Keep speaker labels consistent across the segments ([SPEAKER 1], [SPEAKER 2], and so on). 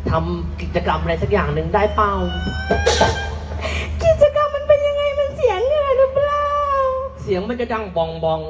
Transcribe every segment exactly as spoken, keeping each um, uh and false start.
[SPEAKER 1] ทำกิจกรรมอะไรสักอย่างหนึ่งได้เปล่า
[SPEAKER 2] กิจกรรมมันเป็นยังไงมันเสียงเหงื่อหรือเปล่า
[SPEAKER 1] เสียงมันจะดังบองบอง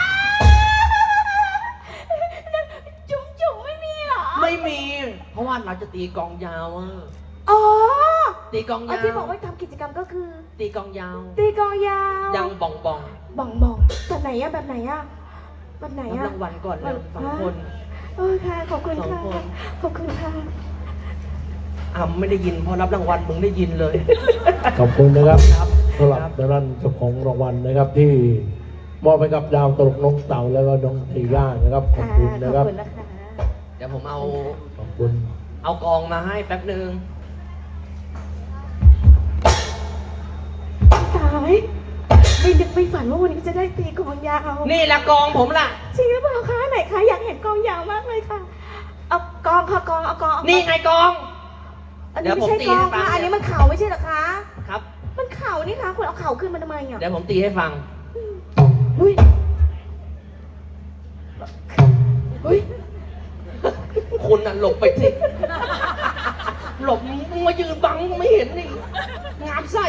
[SPEAKER 2] จุ๋มจุ๋มไม่มีหรอ
[SPEAKER 1] ไม่มีเพราะว่าเราจะตีกองยาวอ่ะ
[SPEAKER 2] อ๋อ
[SPEAKER 1] ตีกองยาว
[SPEAKER 2] ที่บอกว่าทำกิจกรรมก็คือ
[SPEAKER 1] ตีกองยาว
[SPEAKER 2] ตีกองยาว
[SPEAKER 1] ดังบองบอง
[SPEAKER 2] บองบองแบบไหนอะแบบไหนอะแบบไหนอะ
[SPEAKER 1] รางวัลก่อนเลยสองคน
[SPEAKER 2] เออค่ะขอบคุณค่ะขอบคุณค่ะ
[SPEAKER 1] อ่าไม่ได้ยินพอรับรางวัลมึงได้ยินเลย
[SPEAKER 3] ขอบคุณนะครับสำหรับด้านเจ้าของรางวัลนะครับที่มอบให้กับดาวตลกน้องเต่าแล้วก็น้องทีย่านะครับขอบคุณนะครับ
[SPEAKER 1] เดี๋ยวผมเอา
[SPEAKER 3] ขอบคุณ
[SPEAKER 1] เอากองมาให้แป๊บนึง
[SPEAKER 2] ตายไม่นึกไม่ฝันว่าวันนี้จะได้ตีกองยาว
[SPEAKER 1] นี่แหละกองผมล่ะ
[SPEAKER 2] จริงหรือเปล่าคะไหนคะอยากเห็นกองยาวมากเลยค่ะเอากองค่ะกองเอากอง
[SPEAKER 1] นี่ไงกอง
[SPEAKER 2] อันนี้ไม่ใช่กองค่ะอันนี้มันเข่าไม่ใช่หรอคะ
[SPEAKER 1] ครับ
[SPEAKER 2] มันเข่านี่คะคุณเอาเข่าขึ้นมาทำไมอ่ะ
[SPEAKER 1] เดี๋ยวผมตีให้ฟัง
[SPEAKER 2] อุ้ยอุ้ย
[SPEAKER 1] คุณน่ะหลบไปสิหลบมึงมายืนบังไม่เห็นนี่งามไส้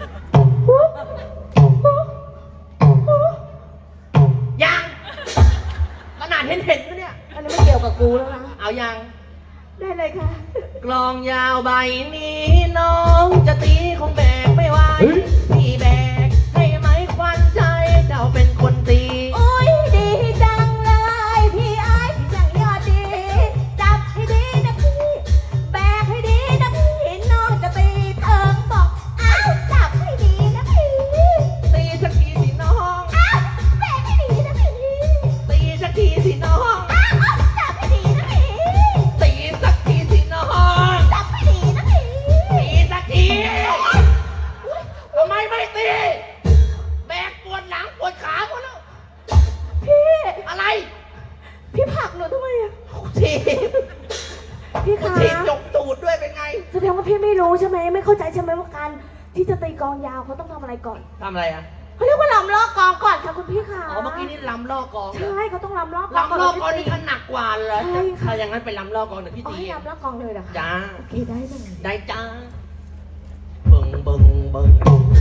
[SPEAKER 1] ยังขนาดเห็นเห็นนะเนี่ย
[SPEAKER 2] อันนี้ไม่เกี่ยวกับกูแล้วนะ
[SPEAKER 1] เอายัง
[SPEAKER 2] ได้เลยค่ะ
[SPEAKER 1] กลองยาวใบนี้น้องจะตีคงแบกไม่ไหวพี่แบกให้ไหมควันใจเจ้าเป็นคนตี
[SPEAKER 2] โอ้ยดีจังเลยพี่ไอ้จังยอดดีจับให้ดีนะพี่แบกให้ดีนะพี่น้องจะตีเถิงบอกอ้าวจับให้ดีนะพี่
[SPEAKER 1] ตีสักทีสิน้อง
[SPEAKER 2] อ้าวแบกให้ดีนะพี่
[SPEAKER 1] ตีสักทีสิน้อง
[SPEAKER 2] อ้าวจับให้ดีนะพี่
[SPEAKER 1] ตีสักทีสิน้อง
[SPEAKER 2] จับให้ดีนะพี่
[SPEAKER 1] ตีสักทีทำไมไม่ตีแบกปวดหลังปวดขาหมดแล้ว
[SPEAKER 2] พี่
[SPEAKER 1] อะไร
[SPEAKER 2] พี่ผลักหนูทำไมอะ
[SPEAKER 1] ที
[SPEAKER 2] พี่คะ
[SPEAKER 1] ทีจกตูดด้วยเป็นไง
[SPEAKER 2] แสดงว่าพี่ไม่รู้ใช่ไหมไม่เข้าใจใช่ไหมว่าการที่จะตีกองยาวเขาต้องทำอะไรก่อน
[SPEAKER 1] ทำอะไรอ่ะ
[SPEAKER 2] เขาเรียกว่าลำลอกกองก่อนค่ะคุณพี่ค่ะ
[SPEAKER 1] อ๋อเมื่อกี้นี่ลำลอกกอง
[SPEAKER 2] ใช่เขาต้องลำลอก
[SPEAKER 1] ลำลอกกองนี่ขนักกว่าเลย
[SPEAKER 2] ใช่ค่ะ
[SPEAKER 1] ถ้าอย่างนั้นไปลำลอกกองเดี๋ยวพี่ตี
[SPEAKER 2] ลำลอกกองเลยเหรอคะ
[SPEAKER 1] จ้า
[SPEAKER 2] โอเคได้เลย
[SPEAKER 1] ได้จ้าเบิ่งเบิ่งเบิ่ง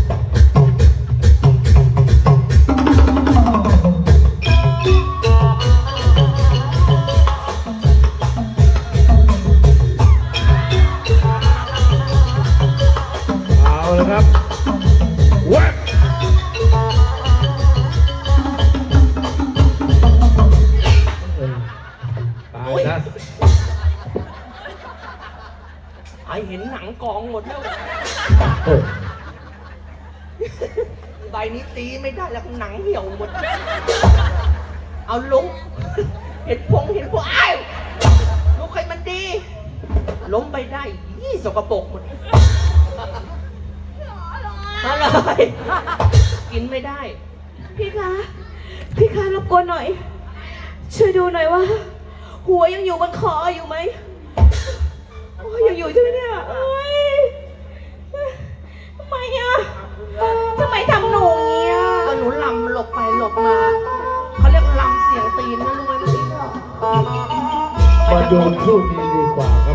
[SPEAKER 3] เอาเลยครับวัดตายนะ
[SPEAKER 1] ไอเห็นหนังกองหมดแล้วใบนี้ตีไม่ได้แล้วหนังเหี่ยวหมดเอาลุกเห็นพงเห็นพวกอ้าวลุกให้มันดีล้มไปได้ยี่สกปรกหมดอะไรกินไม่ได้
[SPEAKER 2] พี่คะพี่คะรบกวนหน่อยช่วยดูหน่อยว่าหัวยังอยู่บนคออยู่ไหมโอ้ยยังอยู่ใช่ไหมเนี่ยโอ้ยทำไมอ่ะทำไมทำหนูอย่างเงี้ย
[SPEAKER 1] ก็หนูลำหลบไปหลบมาเขาเรียกลำเสียงตีนนะรู้ไหมเมื่อกี้
[SPEAKER 3] มาโยนพูดดี